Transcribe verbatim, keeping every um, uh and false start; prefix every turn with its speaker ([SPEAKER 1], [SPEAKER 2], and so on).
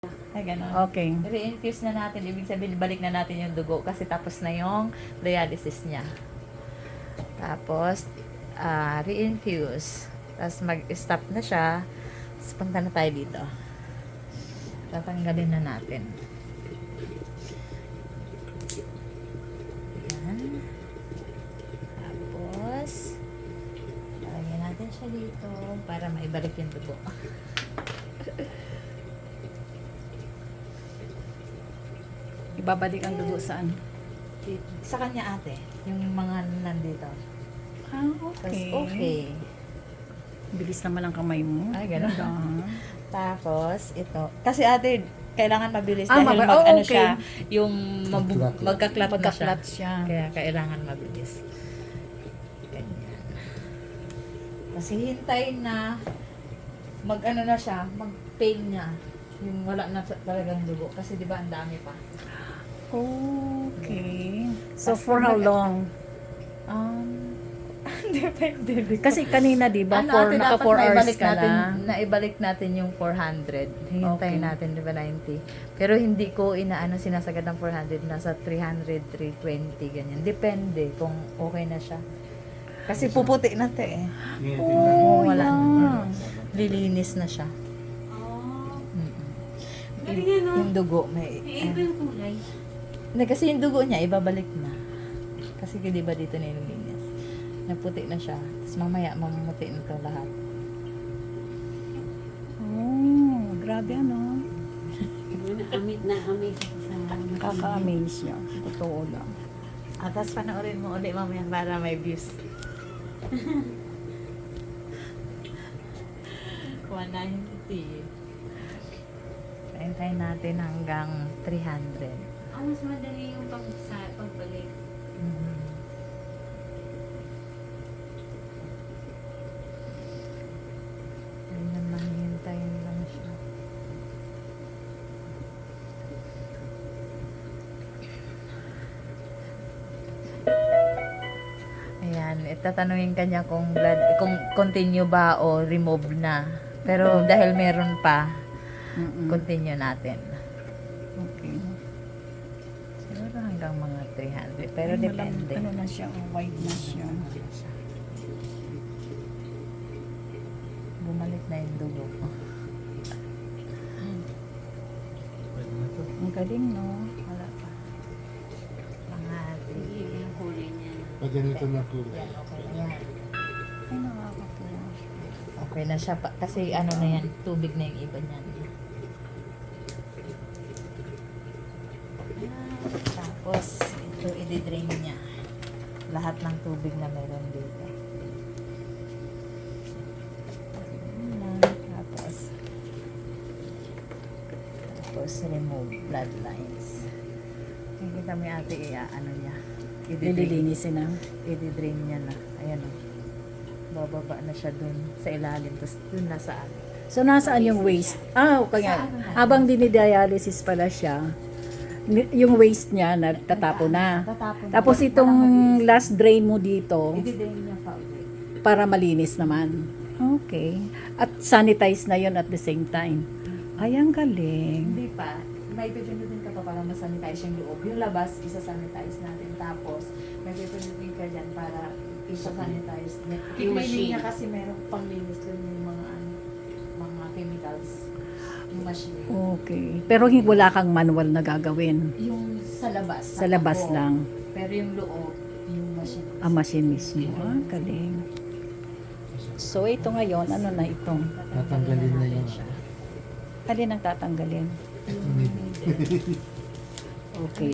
[SPEAKER 1] Ay, ganun.
[SPEAKER 2] Okay.
[SPEAKER 1] Re-infuse na natin. Ibig sabihin, balik na natin yung dugo kasi tapos na yung dialysis niya. Tapos, ah, re-infuse. Tapos mag-stop na siya. Tapos punta na tayo dito. Tatanggalin na natin. Yan. Tapos, lagyan natin siya dito para maibalik yung dugo.
[SPEAKER 2] Ibabalik ang dugo saan?
[SPEAKER 1] Sa kanya ate, yung mga nandito.
[SPEAKER 2] Ah,
[SPEAKER 1] Tapos,
[SPEAKER 2] okay.
[SPEAKER 1] okay.
[SPEAKER 2] Bilis naman ang kamay mo.
[SPEAKER 1] Ay, ganun.
[SPEAKER 2] Ah.
[SPEAKER 1] Tapos, ito. Kasi ate, kailangan mabilis
[SPEAKER 2] Ah,
[SPEAKER 1] dahil
[SPEAKER 2] maba-
[SPEAKER 1] mag,
[SPEAKER 2] oh,
[SPEAKER 1] ano
[SPEAKER 2] okay.
[SPEAKER 1] siya, yung mabu-
[SPEAKER 3] Magkaklat.
[SPEAKER 1] magkaklat na siya.
[SPEAKER 2] Magkaklat siya.
[SPEAKER 1] Kaya kailangan mabilis. Ganyan. Kasi hintayin na mag-ano na siya, mag-pain niya. Yung wala na sa- talagang dugo. Kasi di ba ang dami pa.
[SPEAKER 2] Okay. So,
[SPEAKER 1] Tapos
[SPEAKER 2] for how
[SPEAKER 1] mag-
[SPEAKER 2] long?
[SPEAKER 1] Um, depende.
[SPEAKER 2] Kasi kanina, di ba,
[SPEAKER 1] ano,
[SPEAKER 2] for,
[SPEAKER 1] ate,
[SPEAKER 2] naka
[SPEAKER 1] dapat
[SPEAKER 2] four hours
[SPEAKER 1] naibalik
[SPEAKER 2] ka
[SPEAKER 1] natin,
[SPEAKER 2] na.
[SPEAKER 1] naibalik natin yung four hundred. Hintayin
[SPEAKER 2] Okay.
[SPEAKER 1] natin, di ba, ninety. Pero hindi ko inaano sinasagad ng four hundred. Nasa three hundred, three twenty, ganyan. Depende kung okay na siya. Kasi puputi na te eh.
[SPEAKER 2] Oh,
[SPEAKER 1] Wala na.
[SPEAKER 2] yeah.
[SPEAKER 1] Lilinis na siya.
[SPEAKER 4] Oh,
[SPEAKER 1] Mm-mm.
[SPEAKER 4] galing yan, no?
[SPEAKER 1] Yung dugo, may...
[SPEAKER 4] Eh, iba yung kulay.
[SPEAKER 1] Hindi, kasi yung dugo niya, ibabalik na. Kasi di ba dito nililinis. Naputi na siya. Tapos mamaya, mamuti na ito lahat.
[SPEAKER 2] Oh, grabe ano.
[SPEAKER 4] Na-amit na amit sa...
[SPEAKER 2] Nakaka-amaze siya. Totoo lang.
[SPEAKER 1] At tapos panoorin mo ulit mamaya para may views. one ninety. Hintayin natin hanggang three hundred.
[SPEAKER 4] Ah, mas madali yung pag sa pagbalik.
[SPEAKER 1] Mhm. Ayun naman, hintayin lang siya. Ayan, itatanungin kanya kung blood, kung continue ba o remove na. Pero dahil meron pa,
[SPEAKER 2] Mm-mm.
[SPEAKER 1] continue natin.
[SPEAKER 2] Okay.
[SPEAKER 1] Siguro hanggang mga three hundred. Pero
[SPEAKER 2] Ay, malam-
[SPEAKER 1] depende.
[SPEAKER 2] Ano na siya, oh, wide na siya.
[SPEAKER 1] Bumalik na yung dugo.
[SPEAKER 2] Ang galing, no?
[SPEAKER 1] Wala pa. Mga three.
[SPEAKER 4] Iba yung kulay niya.
[SPEAKER 3] Pag ganito na po.
[SPEAKER 1] Yan, okay na yan.
[SPEAKER 2] Ay, nakakatuwa.
[SPEAKER 1] Okay na siya pa. Kasi ano na yan, tubig na yung iba niyan. Ayan. Tapos, ito i-drain niya. Lahat ng tubig na meron dito. Ayan. Tapos, tapos remove bloodlines. Nakikita mo yung ate, iya, ano niya. I-drain.
[SPEAKER 2] Nililinisin na.
[SPEAKER 1] I-drain niya na. Ayan o. Bababa na siya dun sa ilalim. Tapos dun na saan.
[SPEAKER 2] So, nasaan yung waste? Ah, okay nga.
[SPEAKER 1] Saan na?
[SPEAKER 2] Habang dinidialysis pala siya, ni- yung waste niya, nagtatapo na.
[SPEAKER 1] Tatapon.
[SPEAKER 2] Tapos itong last drain mo dito,
[SPEAKER 1] I-drain niya pa ulit.
[SPEAKER 2] para malinis naman. Okay. At sanitize na yon at the same time. Ay, ang galing.
[SPEAKER 1] Hindi pa. May pipinutin ka pa para masanitize yung loob. Yung labas, isa-sanitize natin. Tapos, may pipinutin ka dyan para isa-sanitize.
[SPEAKER 4] Yung
[SPEAKER 1] Yung may
[SPEAKER 4] machine.
[SPEAKER 1] linya kasi meron pang linis dun yung mga ano, mga chemicals. Yung machine.
[SPEAKER 2] Okay. Pero hi- wala kang manual na gagawin.
[SPEAKER 1] Yung sa labas.
[SPEAKER 2] Sa labas
[SPEAKER 1] ako.
[SPEAKER 2] lang.
[SPEAKER 1] Pero yung loob, yung machine.
[SPEAKER 2] Ang machine mismo. Ah, galing. So, ito ngayon, ano na ito?
[SPEAKER 3] Tatanggalin na yun.
[SPEAKER 2] Alin ang tatanggalin? Okay.